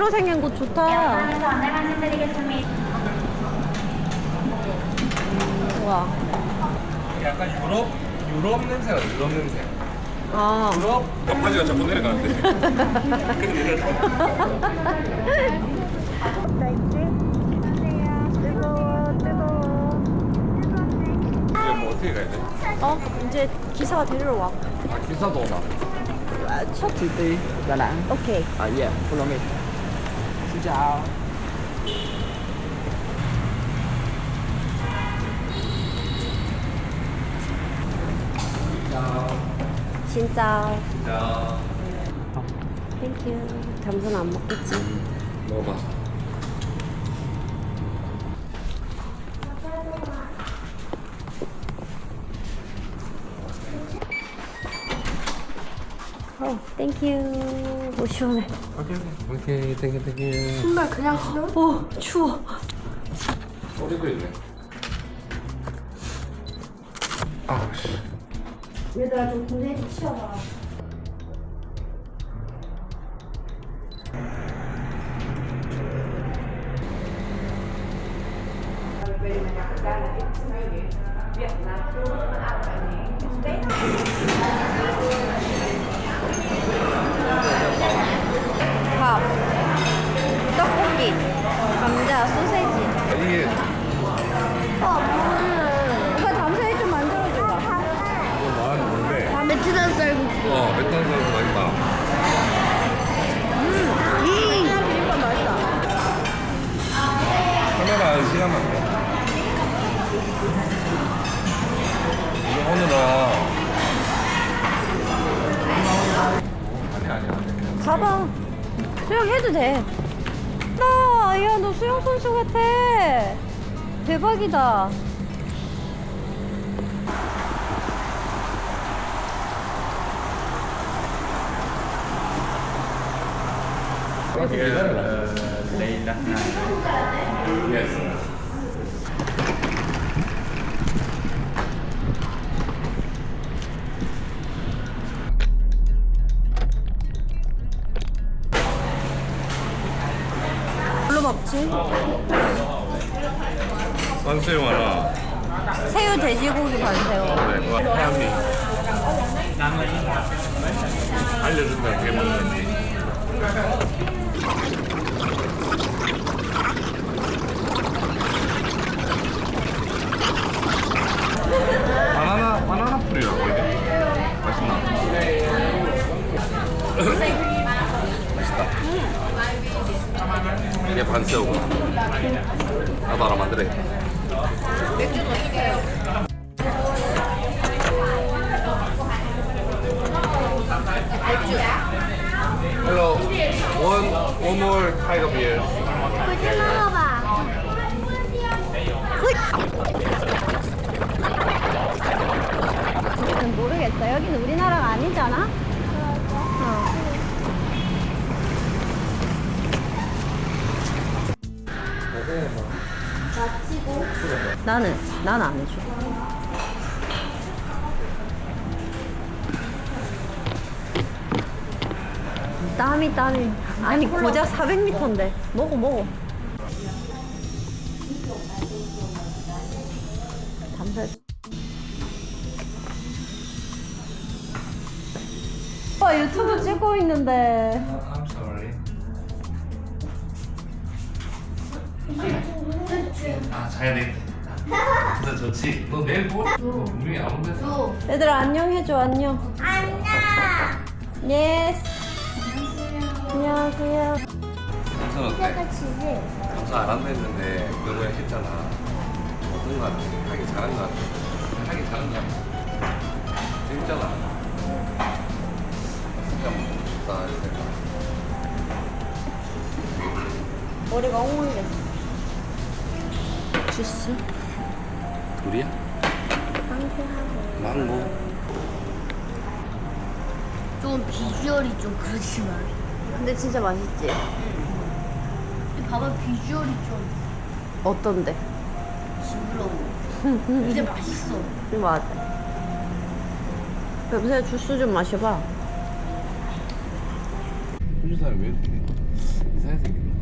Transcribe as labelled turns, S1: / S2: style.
S1: 새로 생긴 곳 좋다.
S2: 안내 말씀드리겠습니다.
S1: 우와.
S3: 약간 유럽 냄새가 나, 유럽 냄새.
S1: 아.
S3: 유럽 바지가 자꾸 내려가는데. 근데 이제 뭐 어떻게 가야 돼?
S1: 이제 기사가 데리러 와.
S3: 아 기사도 오나?
S1: 첫
S4: City Đà Nẵng.
S1: 오케이.
S4: Yeah, follow me. Xin chào.
S1: 진짜.
S3: 자,
S1: 땡큐. 잠수는 안 먹겠지.
S3: 먹어봐.
S1: 땡큐. 오 시원해.
S3: 오케이, 땡큐.
S1: 신발 그냥 신어? 오 추워.
S3: 소리도 있네. 아우 씨.
S1: 얘들아 좀 군대 좀 치워봐. 밥, 떡볶이, 감자, 소세지.
S3: 이게
S1: 오빠 담소에 좀 만들어줘봐.
S3: 뭐 말하는 건데.
S1: 베트남 쌀국수.
S3: 베트남 사람 맛있다.
S1: 비빔밥 맛있다.
S3: 카메라 안 시간만 돼. 이거 오늘은 아니.
S1: 가봐. 수영해도 돼. 야, 너 수영 선수 같아. 대박이다.
S4: Đây đặt hàng.
S3: Yes.
S1: 뭘로 먹지?
S3: 반새우 하나.
S1: 새우 돼지고기 반새우.
S3: 네, 그거 하얀미. 알려준다 어떻게 먹는지. 바나나 풀이라고 이게. 맛있나? 맛있다. 이게 반새우구나. 나도 하나 만들어. Hello, one more kind of beer.
S2: 굴 먹어봐.
S1: 모르겠어. 여기는 우리나라가 아니잖아? 나는 안 해줘. 땀이. 아니, 고작 400m인데. 먹어. 담배. 오빠 유튜브 찍고 있는데.
S3: I'm sorry. 아 자야 되겠다. 진짜 좋지. 너 내일 뭐? 너 분명히 안 온댔어.
S1: 얘들아 안녕 해줘. 안녕.
S2: 안녕.
S1: 예스. 안녕하세요.
S3: 감사 어때?
S2: 치즈.
S3: 감사 안 한다 했는데 그거 했잖아. 어떤 거 같아? 하기 잘한 거 같아. 하기 잘한 거 같아. 재밌잖아. 진짜 먹고 싶다 이 생각.
S1: 머리가 엉망이 됐어. 주스.
S3: 둘이야?
S1: 상쾌하고.
S3: 망고.
S2: 좀 비주얼이 좀 그렇지만.
S1: 근데 진짜 맛있지?
S2: 봐봐 비주얼이 좀
S1: 어떤데?
S2: 징그러워. 근데 맛있어.
S1: 맞아. 여보세요, 주스 좀 마셔봐.
S3: 호주 사람이 왜 이렇게 이상하게 생겼네.